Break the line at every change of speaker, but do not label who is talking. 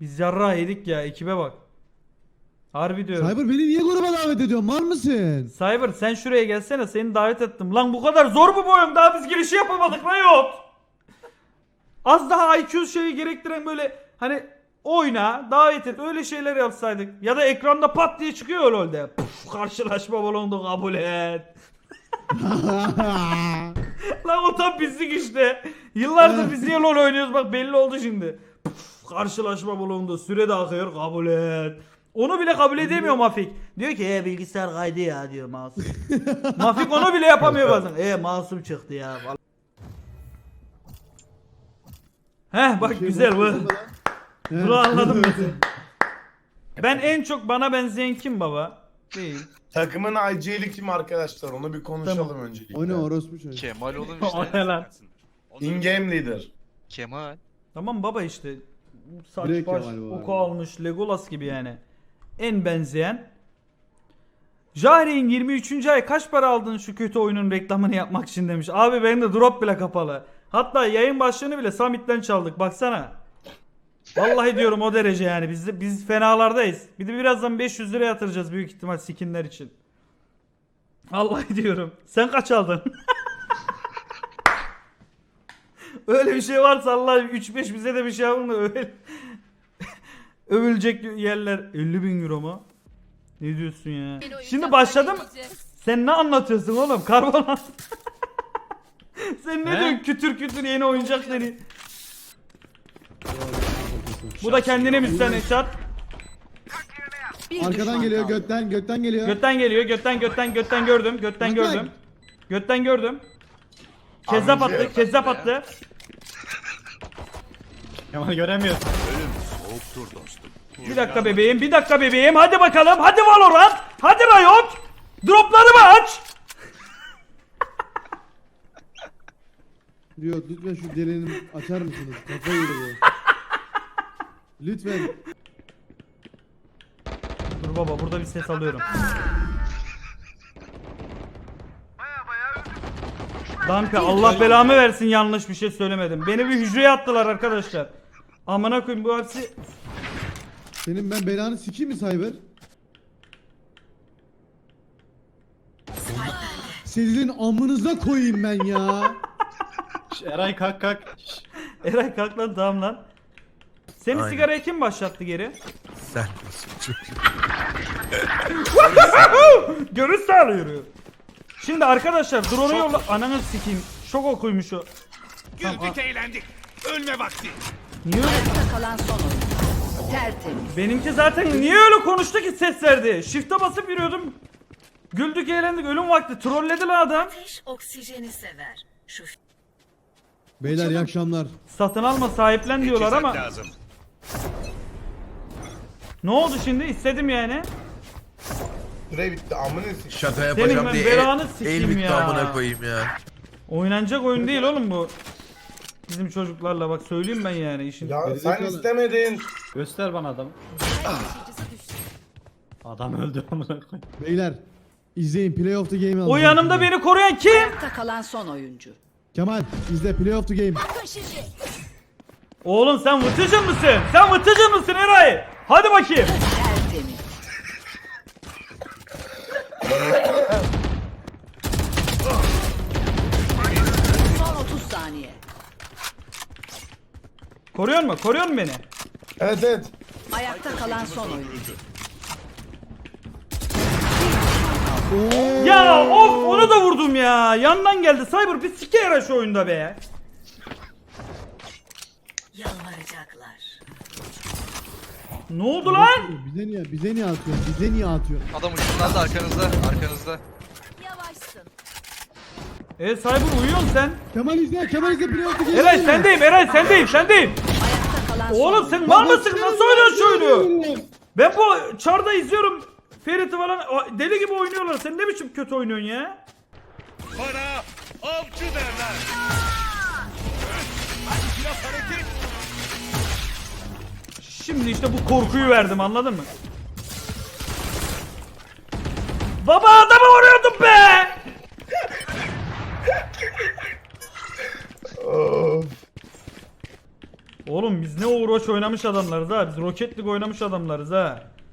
Biz yarrağı yedik ya, ekibe bak. Harbi diyorum.
Cyber beni niye gruba davet ediyorsun? Var mısın?
Cyber sen şuraya gelsene, seni davet ettim. Lan bu kadar zor mu bu oyun? Daha biz girişi yapamadık lan yok. Az daha IQ şeyi gerektiren böyle hani oyna, davet et, öyle şeyler yapsaydık. Ya da ekranda pat diye çıkıyor LoL'de. Puf, karşılaşma balondu, kabul et. Lan o tam bizlik işte. Yıllardır biz niye LoL oynuyoruz, bak belli oldu şimdi. Puf, karşılaşma bulundu, süre de akıyor, kabul et. Onu bile kabul edemiyor Mafik. Diyor ki bilgisayar kaydı ya diyor masum. Mafik onu bile yapamıyor bazen. Masum çıktı ya. Heh bak güzel bu. Bunu anladım mesela. Ben en çok bana benzeyen kim baba? Değil.
Takımın IG'li kim arkadaşlar? Onu bir konuşalım
Tamam.
öncelikle.
O ne orospu çocuğu.
Kemal oğlum
O
işte.
ne lan?
In-game leader.
Kemal.
Tamam baba işte. Saç
Direkt
baş
Kemal bu
oku
abi.
almış Legolas gibi yani. En benzeyen. Jahre'in 23. ay kaç para aldın şu kötü oyunun reklamını yapmak için demiş. Abi benim de drop bile kapalı. Hatta yayın başlığını bile Samit'ten çaldık baksana. Vallahi diyorum o derece yani biz fenalardayız. Bir de birazdan 500 lira yatıracağız büyük ihtimal skinler için. Vallahi diyorum. Sen kaç aldın? Öyle bir şey varsa Allah 3-5 bize de bir şey yapın da öyle. Övülecek yerler 50.000 euro mu? Ne diyorsun ya? Şimdi başladım. Sen ne anlatıyorsun oğlum? Karbonat. Sen ne diyorsun? Kütür kütür yeni oyuncak seni. Bu da kendine müstahane çat.
Arkadan geliyor götten geliyor.
Götten geliyor. Götten gördüm. Götten gördüm. Götten gördüm. Kezzap attı. Kezzap attı.
Kemal göremiyorsun.
Bir dakika bebeğim. Bir dakika bebeğim. Hadi bakalım. Hadi Valorant. Hadi Riot. Droplarımı aç.
Diyor lütfen şu deleni açar mısınız? Kafayı yedi bu. Lütfen.
Dur baba burada bir ses alıyorum. Danke Allah belamı versin yanlış bir şey söylemedim. Beni bir hücreye attılar arkadaşlar. Amına koyayım bu hepsi.
Senin ben belanı sikeyim mi Cyber? Sizin amınıza koyayım ben ya.
Eray kalk kalk.
Eray kalk lan tamam lan. Seni
Aynen.
sigaraya kim başlattı geri?
Sen misin çocuğum?
Görüş sağlıyor. Şimdi arkadaşlar drone'u yolla. Ananı sikeyim. Şok okuymuş o.
Güldük eğlendik. Ölme vakti.
Niye öyle?
Kalan son oyun. Tertemiz.
Benimki zaten niye öyle konuştu ki ses verdi? Shift'e basıp yürüyordum. Güldük eğlendik ölüm vakti. Trolledi lan adam.
Ateş oksijeni sever. Şu
Beyler iyi akşamlar.
Satın alma sahiplen diyorlar
Teçhizat
ama.
lazım.
Ne oldu şimdi? İstedim yani.
Süre bitti. Amına sikeyim.
Şaka
Senin
yapacağım
ben
diye
belanı sikeyim
el bitti
ya.
amına koyayım ya.
Oynanacak oyun değil oğlum bu. Bizim çocuklarla bak söyleyeyim ben yani işin.
Ya sen
Gerizekalı.
istemedin.
Göster bana adamı. Adam öldü amına koyayım.
Beyler izleyin Play of the Game'i
O
alacağım
yanımda
şimdi.
beni koruyan kim?
ayakta kalan son oyuncu.
Kemal izle Play of the Game.
Oğlum sen vıtıcın mısın? Sen vıtıcın mısın Eray? Hadi bakayım.
Tertemiz. Son 30 saniye.
Koruyor mu? Koruyor mu beni?
Evet evet.
Ayakta kalan son oyuncu.
Ya of onu da vurdum ya. Yandan geldi. Cyber bir sike yara şu oyunda be.
Yalvaracaklar.
Ne oldu lan?
Bize niye atıyorsun?
Adam ucundan da arkanızda. Arkanızda.
Yavaşsın.
Cyber uyuyorsun sen.
Kemal izle Play of the Game.
Eray sendeyim.
Ayakta kalan son
Oğlum sen mal mısın? Nasıl oynuyorsun şu oyunu? Ben bu çarda izliyorum. Ferit'i falan deli gibi oynuyorlar. Sen ne biçim kötü oynuyorsun ya?
Bana avcı derler. Hadi biraz hareket.
Şimdi işte bu korkuyu verdim anladın mı? Baba adamı vuruyordum be!
Of.
Oğlum biz ne Overwatch oynamış adamlarız ha. Biz Rocket League oynamış adamlarız ha.